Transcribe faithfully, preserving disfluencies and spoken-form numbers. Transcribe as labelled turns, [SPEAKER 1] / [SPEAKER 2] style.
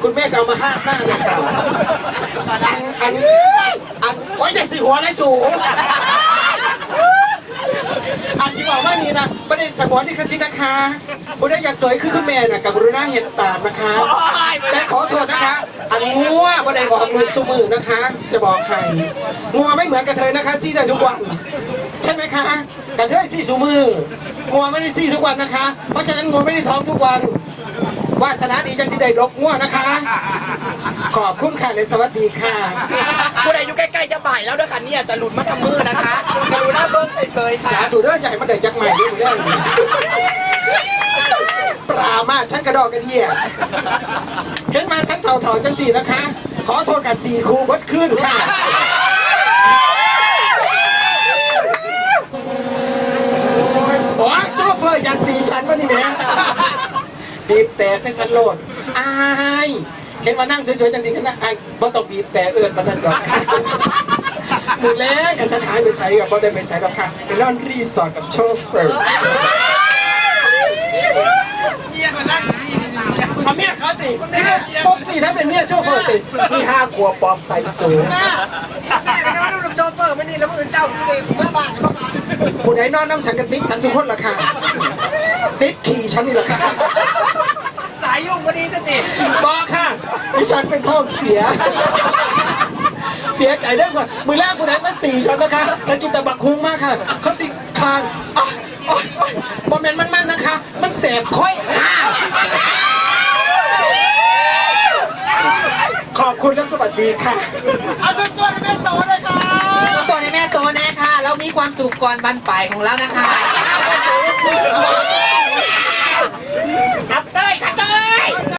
[SPEAKER 1] คุณแม่ก็เอามาห้าหน้าเลยค่ะอันอันอันไว้จะสีหัวไรสูงอันที่บอกว่านี่นะประเด็นสมองนี่คือสินะคะคุณได้อยากสวยคือคุณแม่น่ะกับกรุณาเห็นตามนะคะแต่ขอโทษนะคะอันงัวประเด็นบอกมือสมือนะคะ จะบอกใครงัวไม่เหมือนกระเทยนะคะซีได้ทุกวันใช่ไหมคะกระเทยซีสูมืองัวไม่ได้ซีทุกวันนะคะเพราะฉะนั้นงัวไม่ได้ท้องทุกวันวาสนาดีจังสิได้รกงัวนะคะขอบคุณค่ะและสวัสดีค่ะ
[SPEAKER 2] ผู้ใดอยู่ใกล้ๆจะบ่ายแล้วด้วยค่ะเนี่ยจะหลุดมาทำมือนะคะกรุณาเบิ้งเฉยๆค่ะ
[SPEAKER 1] สาธุเด้อใหญ่มาได้จักใหม่ด้วยเรื่องปรามาฉันกระดอกกระเดียเห็นมาฉันเถ่าๆจังสี่นะคะขอโทษกับสี่ครูวัดขึ้นค่ะโอ้โซเฟอร์อยากสี่ชั้นวะนี่เนี่ยบีบแต่เส้นสันโลดอายเห็นมานั่งสวยๆจังสิกันนะไอ้บ่ต้องบีบแต่เอื้อนปนันดอกค่ะมือแรกกันฉันหายไปใส่กับบ่ได้ไปใส่ดอกค่ะเป็นร้านรีสอร์ทกับโชเฟอร์เมียเขานั่งเอาเมียเขาติปกติถ้าเป็นเมียโชเฟอร์ติมีห้าขวบปอบใส่สูง
[SPEAKER 2] แม่ไปนอนดูโชเฟอร์ไม่นี่แล้วมึงเจ้าสิเลยเมื่อบ้านเมื่อบ้าน
[SPEAKER 1] ผู้ใดนอนน้ำฉันกันติ๊กฉันทุกคนละค่ะติ๊กขี่ฉันนี่ละค่ะ
[SPEAKER 2] สายยุ่งก็ดีจะติด
[SPEAKER 1] บอกค่ะดิฉันเป็นท้องเสียเสียใจเรื่องว่ามือแรกคุณไหนมาสี่ฉันนะคะฉันกินแต่บักคุ้งมากค่ะเขาสิคางอ๋ออ๋อโมเมนต์มันๆนะคะมันแสบค่อยขอบคุณและสวัสดีค่ะ
[SPEAKER 2] เอาส่วนๆในแม่โตเลยค่ะส่วนในแม่โตนะค่ะเรามีความสุขก่อนบรรปลายของเรานะคะครับ